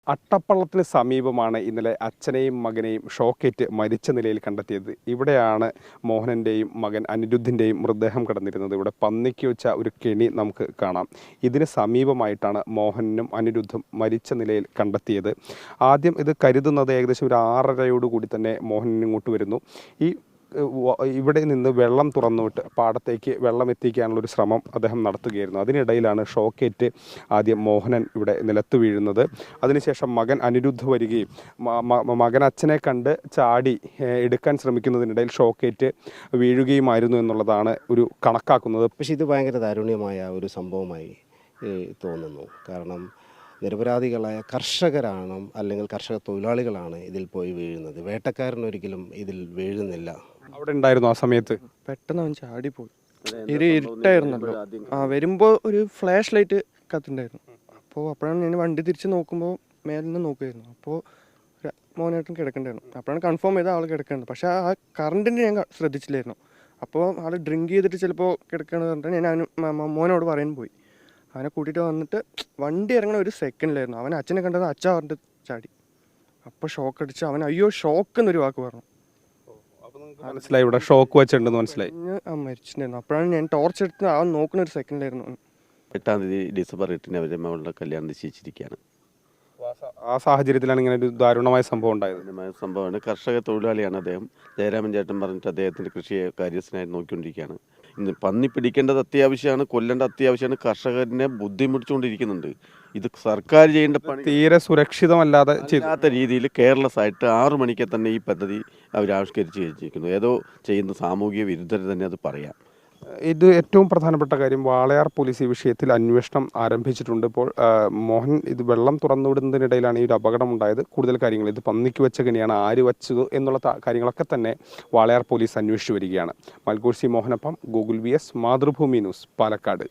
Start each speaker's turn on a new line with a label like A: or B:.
A: അട്ടപ്പള്ളത്തിന് സമീപമാണ് ഇന്നലെ അച്ഛനെയും മകനെയും ഷോക്കേറ്റ് മരിച്ച നിലയിൽ കണ്ടെത്തിയത്. ഇവിടെയാണ് മോഹനൻ്റെയും മകൻ അനിരുദ്ധിൻ്റെയും മൃതദേഹം കിടന്നിരുന്നത്. ഇവിടെ പന്നിക്ക് വെച്ച ഒരു കെണി നമുക്ക് കാണാം. ഇതിന് സമീപമായിട്ടാണ് മോഹനും അനിരുദ്ധും മരിച്ച നിലയിൽ കണ്ടെത്തിയത്. ആദ്യം ഇത് കരുതുന്നത് ഏകദേശം ഒരു 6:30 തന്നെ മോഹൻ ഇങ്ങോട്ട് വരുന്നു. ഇവിടെ നിന്ന് വെള്ളം തുറന്നുവിട്ട് പാടത്തേക്ക് വെള്ളം എത്തിക്കാനുള്ളൊരു ശ്രമം അദ്ദേഹം നടത്തുകയായിരുന്നു. അതിനിടയിലാണ് ഷോക്കേറ്റ് ആദ്യം മോഹനൻ ഇവിടെ നിലത്ത് വീഴുന്നത്. അതിനുശേഷം മകൻ അനിരുദ്ധ് വരികയും മകൻ അച്ഛനെ കണ്ട് ചാടി എടുക്കാൻ ശ്രമിക്കുന്നതിനിടയിൽ ഷോക്കേറ്റ് വീഴുകയുമായിരുന്നു എന്നുള്ളതാണ് ഒരു കണക്കാക്കുന്നത്.
B: പക്ഷേ ഇത് ഭയങ്കര ദാരുണ്യമായ ഒരു സംഭവമായി തോന്നുന്നു. കാരണം നിരപരാധികളായ കർഷകരാണ് അല്ലെങ്കിൽ കർഷക തൊഴിലാളികളാണ് ഇതിൽ പോയി വീഴുന്നത്. വേട്ടക്കാരനൊരിക്കലും ഇതിൽ വീഴുന്നില്ല.
A: അവിടെ ഉണ്ടായിരുന്നു ആ സമയത്ത്?
C: പെട്ടെന്ന് അവൻ ചാടിപ്പോയി. ഒരു ഇരുട്ടായിരുന്നല്ലോ. വരുമ്പോൾ ഒരു ഫ്ലാഷ് ലൈറ്റ് കത്തുണ്ടായിരുന്നു. അപ്പോഴാണ് ഞാൻ വണ്ടി തിരിച്ച് നോക്കുമ്പോൾ മേലിൽ നിന്ന് നോക്കുമായിരുന്നു. അപ്പോൾ മോനായിട്ടും കിടക്കണ്ടായിരുന്നു. അപ്പോഴാണ് കൺഫേം ചെയ്ത ആൾ കിടക്കേണ്ടത്. പക്ഷേ ആ കറണ്ടിൻ്റെ ഞാൻ ശ്രദ്ധിച്ചില്ലായിരുന്നു. അപ്പോൾ ആൾ ഡ്രിങ്ക് ചെയ്തിട്ട് ചിലപ്പോൾ കിടക്കുകയാണെന്ന് പറഞ്ഞിട്ട് ഞാൻ മോനോട് പറയാൻ പോയി. അവനെ കൂട്ടിയിട്ട് വന്നിട്ട് വണ്ടി ഇറങ്ങണ ഒരു സെക്കൻഡിലായിരുന്നു. അവൻ അച്ഛനെ കണ്ടത് അച്ഛ പറഞ്ഞിട്ട് ചാടി. അപ്പോൾ ഷോക്ക് അടിച്ച് അവൻ അയ്യോ ഷോക്ക് എന്നൊരു വാക്ക് പറഞ്ഞു.
A: മനസ്സിലായി, ഇവിടെ ഷോക്ക് വെച്ചിട്ടുണ്ടെന്ന് മനസ്സിലായി.
C: മരിച്ചിട്ടുണ്ടായിരുന്നു. അപ്പോഴാണ് ഞാൻ ടോർച്ച് എടുത്ത് അവൻ നോക്കുന്ന ഒരു സെക്കൻഡിലായിരുന്നു.
D: 8 ഡിസംബർ 8 അവരുടെ മകളുടെ കല്യാണം നിശ്ചയിച്ചിരിക്കുകയാണ്.
A: ആ സാഹചര്യത്തിലാണ് ഇങ്ങനെ ഒരു ദാരുണമായ സംഭവം ഉണ്ടായത്.
D: സംഭവമാണ്. കർഷക തൊഴിലാളിയാണ് അദ്ദേഹം. ജയരാമൻ ചേട്ടൻ പറഞ്ഞിട്ട് അദ്ദേഹത്തിൻ്റെ കൃഷി കാര്യസ്ഥനായി നോക്കിക്കൊണ്ടിരിക്കുകയാണ്. ഇന്ന് പന്നി പിടിക്കേണ്ടത് അത്യാവശ്യമാണ്, കൊല്ലേണ്ട അത്യാവശ്യമാണ്. കർഷകരെ ബുദ്ധിമുട്ടിച്ചുകൊണ്ടിരിക്കുന്നുണ്ട്. ഇത് സർക്കാർ ചെയ്യേണ്ട പണി
A: തീരെ സുരക്ഷിതമല്ലാതെ
D: ചെയ്യാത്ത രീതിയിൽ കെയർലെസ് ആയിട്ട് 6 മണിക്ക് തന്നെ ഈ പദ്ധതി അവർ ആവിഷ്കരിച്ച് വെച്ചിരിക്കുന്നു. ഏതോ ചെയ്യുന്ന സാമൂഹിക വിരുദ്ധർ തന്നെ അത് പറയാം.
A: ഇത് ഏറ്റവും പ്രധാനപ്പെട്ട കാര്യം, വാളയാർ പോലീസ് ഈ വിഷയത്തിൽ അന്വേഷണം ആരംഭിച്ചിട്ടുണ്ട്. ഇപ്പോൾ മോഹൻ ഇത് വെള്ളം തുറന്നുവിടുന്നതിനിടയിലാണ് ഈ ഒരു അപകടം ഉണ്ടായത്. കൂടുതൽ കാര്യങ്ങൾ ഇത് പന്നിക്ക് വെച്ച കെണിയാണ്, ആര് വെച്ചത് എന്നുള്ള കാര്യങ്ങളൊക്കെ തന്നെ വാളയാർ പോലീസ് അന്വേഷിച്ചു വരികയാണ്. മൽഗോഴ്സി മോഹനപ്പം, Google VS, Mathrubhumi news, Palakkad.